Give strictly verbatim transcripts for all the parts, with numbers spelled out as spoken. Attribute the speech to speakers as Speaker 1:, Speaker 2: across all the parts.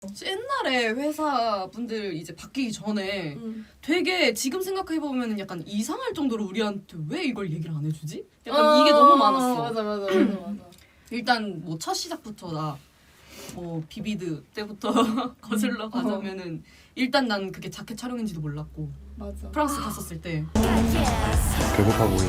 Speaker 1: 옛날에 회사 분들 이제 바뀌기 전에
Speaker 2: 음.
Speaker 1: 되게 지금 생각해보면 약간 이상할 정도로 우리한테 왜 이걸 얘기를 안 해주지? 약간
Speaker 2: 어,
Speaker 1: 이게 너무 많았어.
Speaker 2: 맞아 맞아 맞아 맞아.
Speaker 1: 일단 뭐 첫 시작부터 나 뭐 비비드 때부터 거슬러 가자면은 일단 난 그게 자켓 촬영인지도 몰랐고
Speaker 2: 맞아.
Speaker 1: 프랑스 갔었을 때
Speaker 3: 배고파 보이네.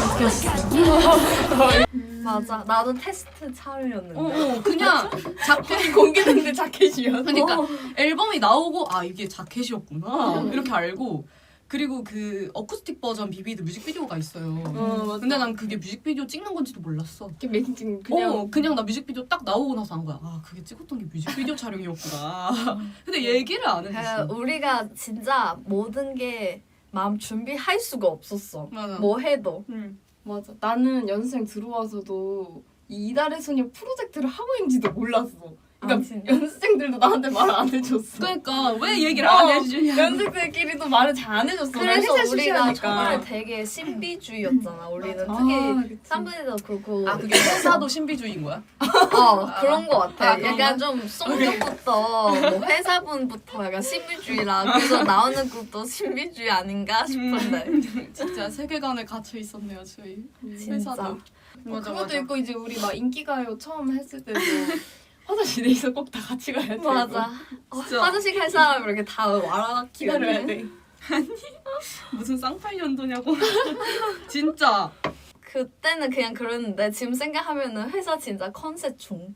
Speaker 4: 맞아. 나도 테스트 촬영이었는데.
Speaker 1: 어, 어 그냥 자켓
Speaker 2: 공개됐는데 자켓이야.
Speaker 1: 그러니까 앨범이 나오고 아 이게 자켓이었구나 이렇게 알고 그리고 그 어쿠스틱 버전 비비드 뮤직비디오가 있어요.
Speaker 2: 어, 맞아.
Speaker 1: 근데 난 그게 뮤직비디오 찍는 건지도 몰랐어.
Speaker 2: 이렇게 메이킹 찍는
Speaker 1: 그냥
Speaker 2: 그냥
Speaker 1: 어, 그냥 나 뮤직비디오 딱 나오고 나서 한 거야. 아 그게 찍었던 게 뮤직비디오 촬영이었구나. 근데 얘기를 안 해줬어.
Speaker 4: 그 우리가 진짜 모든 게 마음 준비할 수가 없었어.
Speaker 1: 맞아.
Speaker 4: 뭐 해도.
Speaker 1: 응.
Speaker 2: 맞아. 나는 연습생 들어와서도 이 이달의 소녀 프로젝트를 하고 있는지도 몰랐어. 그러니까
Speaker 4: 아, 진짜?
Speaker 2: 연습생들도 나한테 말 안 해줬어.
Speaker 1: 그러니까 왜 얘기를
Speaker 2: 어,
Speaker 1: 안 해주냐.
Speaker 2: 연습생끼리도 말을 잘 안 해줬어.
Speaker 4: 그래서
Speaker 2: 회사
Speaker 4: 우리가
Speaker 2: 출신이니까.
Speaker 4: 처음에 되게 신비주의였잖아. 우리는
Speaker 2: 아,
Speaker 4: 특히
Speaker 2: 그치.
Speaker 4: 쌈분이도 그렇고.
Speaker 1: 아 그게 회사도 신비주의인 거야?
Speaker 4: 어 그런 거 같아.
Speaker 1: 아, 그런가?
Speaker 4: 약간 좀 성격부터 뭐 회사분부터 약간 신비주의라 그래서 나오는 것도 신비주의 아닌가 싶은데.
Speaker 1: 진짜 세계관에 갇혀 있었네요 저희.
Speaker 4: 진짜.
Speaker 1: 회사도.
Speaker 2: 어,
Speaker 1: 맞아,
Speaker 2: 그것도
Speaker 1: 맞아.
Speaker 2: 있고 이제 우리 막 인기가요 처음 했을 때도 화장실에서 꼭 다 같이 가야 돼.
Speaker 4: 맞아. 어,
Speaker 1: 진짜.
Speaker 4: 화장실 갈 사람 이렇게 다 와라
Speaker 2: 기다려야
Speaker 4: 기다려야
Speaker 2: 돼.
Speaker 1: 무슨 쌍팔년도냐고. 진짜.
Speaker 4: 그때는 그냥 그랬는데 지금 생각하면은 회사 진짜 컨셉 중.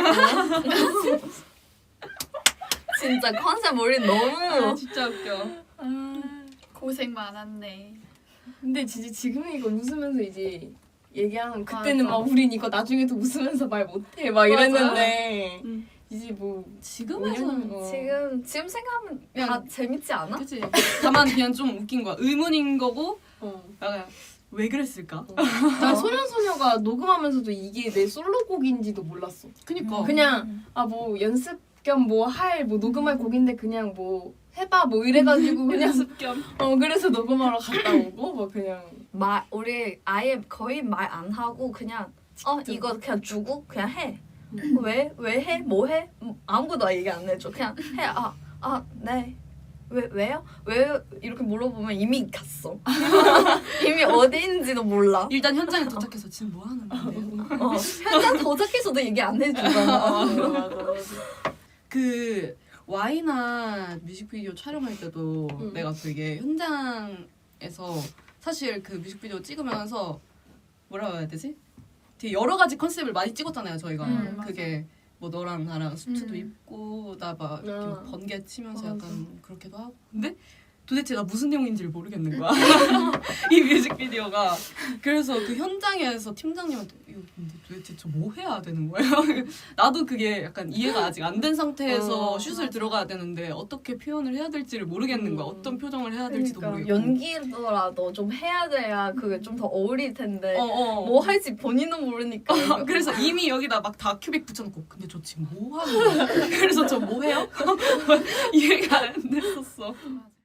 Speaker 4: 진짜 컨셉 우리
Speaker 1: 아,
Speaker 4: 너무
Speaker 1: 진짜 웃겨.
Speaker 5: 고생 많았네.
Speaker 2: 근데 진짜 지금 이거 웃으면서 이제 얘기하는 그때는
Speaker 5: 맞아.
Speaker 2: 막 우린 이거 나중에도 웃으면서 말 못해 막 이랬는데
Speaker 1: 응.
Speaker 2: 이제 뭐
Speaker 1: 지금에서는
Speaker 2: 어.
Speaker 4: 지금 지금 생각하면 다
Speaker 1: 그냥-
Speaker 4: 재밌지 않아?
Speaker 1: 그치. 다만 그냥 좀 웃긴 거야. 의문인 거고
Speaker 2: 어.
Speaker 1: 약간 왜 그랬을까?
Speaker 2: 나 소년소녀가 녹음하면서도 이게 내 솔로곡인지도 몰랐어.
Speaker 1: 그니까.
Speaker 2: 그냥 아 뭐 연습 겸 뭐 할 뭐 녹음할 곡인데 그냥 뭐 해봐 뭐 이래가지고 그냥
Speaker 1: 연습 겸.
Speaker 2: 어 그래서 녹음하러 갔다 오고 뭐 그냥
Speaker 4: 말 우리 아예 거의 말 안 하고 그냥 어 이거 그냥 주고 그냥 해. 왜? 왜 해? 뭐 해? 음, 아무것도 얘기 안 해줘. 그냥 해. 아, 아, 네. 왜, 왜요? 왜? 이렇게 물어보면 이미 갔어. 이미 어디인지도 몰라.
Speaker 1: 일단 현장에 도착해서 지금 뭐 하는 건데요?
Speaker 4: 어, 현장 도착해서도 얘기 안 해주잖아.
Speaker 2: 맞아 맞아 맞아.
Speaker 1: 그 와이나 뮤직비디오 촬영할 때도
Speaker 2: 응.
Speaker 1: 내가 되게 현장에서 사실 그 뮤직비디오 찍으면서 뭐라고 해야 되지? 되게 여러 가지 컨셉을 많이 찍었잖아요 저희가.
Speaker 5: 음,
Speaker 1: 그게 뭐 너랑 나랑 수트도
Speaker 5: 음.
Speaker 1: 입고 나 막 이렇게
Speaker 2: 아.
Speaker 1: 막 번개 치면서
Speaker 2: 맞아.
Speaker 1: 약간 그렇게도 하고 근데 도대체 나 무슨 내용인지를 모르겠는 거야 이 뮤직비디오가. 그래서 그 현장에서 팀장님한테 이거 근데 도대체 저 뭐 해야 되는 거예요? 나도 그게 약간 이해가 아직 안 된 상태에서
Speaker 2: 어,
Speaker 1: 슛을 들어가야 되는데 어떻게 표현을 해야 될지를 모르겠는 거야.
Speaker 2: 음.
Speaker 1: 어떤 표정을 해야 될지도
Speaker 4: 그러니까
Speaker 1: 모르겠고.
Speaker 4: 연기더라도 좀 해야 돼야 그게 좀 더 어울릴 텐데
Speaker 1: 어, 어.
Speaker 4: 뭐 할지 본인은 모르니까.
Speaker 1: 그래서 이미 여기다 막 다 큐빅 붙여놓고 근데 저 지금 뭐 하는 거야? 그래서 저 뭐 해요? 이해가 안 됐었어.